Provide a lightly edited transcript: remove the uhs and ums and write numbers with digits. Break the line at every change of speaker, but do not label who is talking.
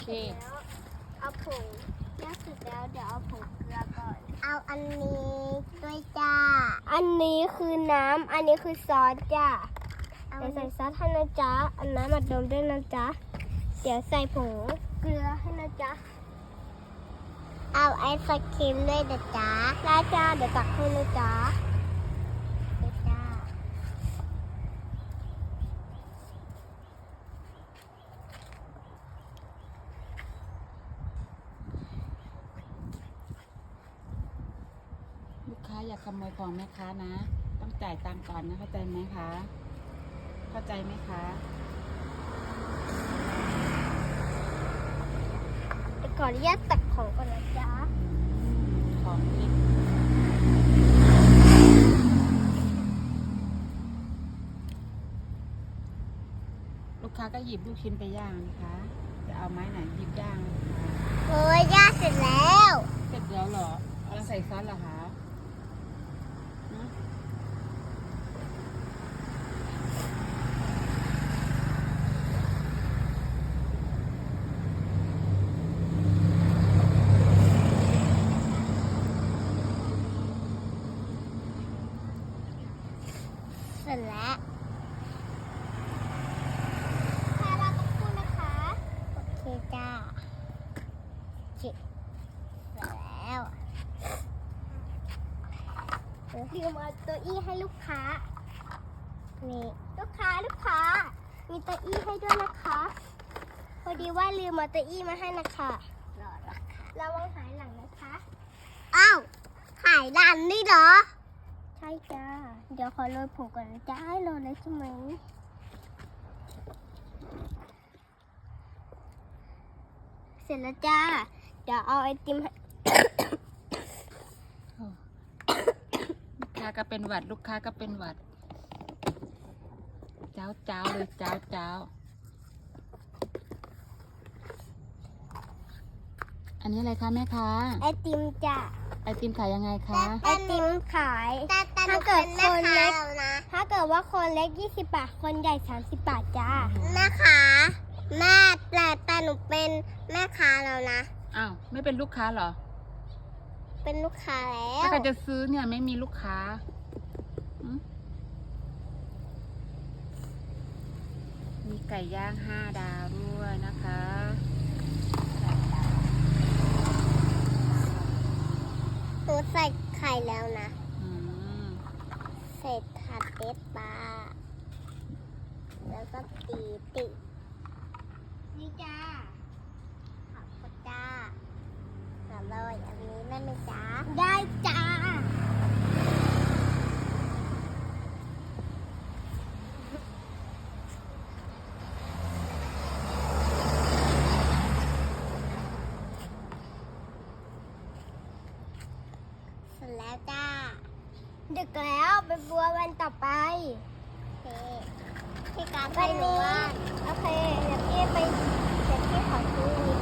เค
เอาผงย่างเสร็จแล้วเดี๋ยวเอาผงเกลือก่อนเอาอันนี้ด้วยจ้าอันนี้คือน้ำอันนี้คือซอสจ้าเดี๋ยวใส่ซอสให้นะจ๊ะอันน้ำอัดลมด้วยนะจ๊ะเดี๋ยวใส่ผงเกลือให้นะจ๊ะเอาไอศครีมด้วยนะจ๊ะได้จ้าเดี๋ยวตักให้นะจ๊ะได้จ้า
ลูกค้าอย่าขโมยของแม่ค้านะต้องจ่ายตังค์ก่อนนะเข้าใจไหมคะเข้าใจไหมคะ
เดี๋ยวขออนุญาตตักของก่อนนะจ๊ะ
ของกินลูกค้าก็หยิบลูกชิ้นไปย่างนะคะจะเอาไม้ไหนหยิบย่างนะคะ
โอ้ยย่าเสร็จแล้ว
เสร็จแล้วเหรอเอาแล้วใส่ซอสเหรอคะฮะ
เสร็จแล้วค่ะเราต้องพูดนะคะโอเคจ้าเสร็จแล้วลืมเอาเก้าอี้ให้ลูกค้านี่ลูกค้ามีเก้าอี้ให้ด้วยนะคะพอดีว่าลืมเอาเก้าอี้มาให้นะคะระวังหายหลังนะคะอ้าวหายหลังนี่เหรอใช่จ้าเดี๋ยวขอโรยผงก่อนนะจ้าให้โรยเลยใช่ไหมเสร็จแล้วจ้าเดี๋ยวเอาไอติมให้
ลูกค้าก็เป็นหวัดลูกค้าก็เป็นหวัดเจ้าเจ้าเลยเจ้าเจ้าอันนี้อะไรคะแม่ค้า
ไอติมจ้ะ
ไอติมขายยังไงคะ
ไอติมขายถ้าเกิดคนเล็กถ้าเกิดว่าคนเล็ก20 บาทคนใหญ่30 บาทจ้าแม่ค้าแม่แต่หนูเป็นแม่ค้าแล้วนะ
อ้าวไม่เป็นลูกค้าเหรอ
เป็นลูกค้าแล้
ถ้าว ใครจะซื้อเนี่ยไม่มีลูกค้าอืมมีไก่ย่าง5 ดาวด้วยนะคะ
หนูใส่ไข่แล้วนะ
อืม
ใส่ผัดเด็ดปลาแล้วก็ตีนี่จ้าขอบคุณจ้าอร่อยอันนี้ได้ไหมจ้าได้จ้าเสร็จแล้วจ้าดึกแล้วไปบัววันต่อไปโอเคพี่การไปหนูว่าโอเคเดี๋ยวพี่ขอซื้อนี้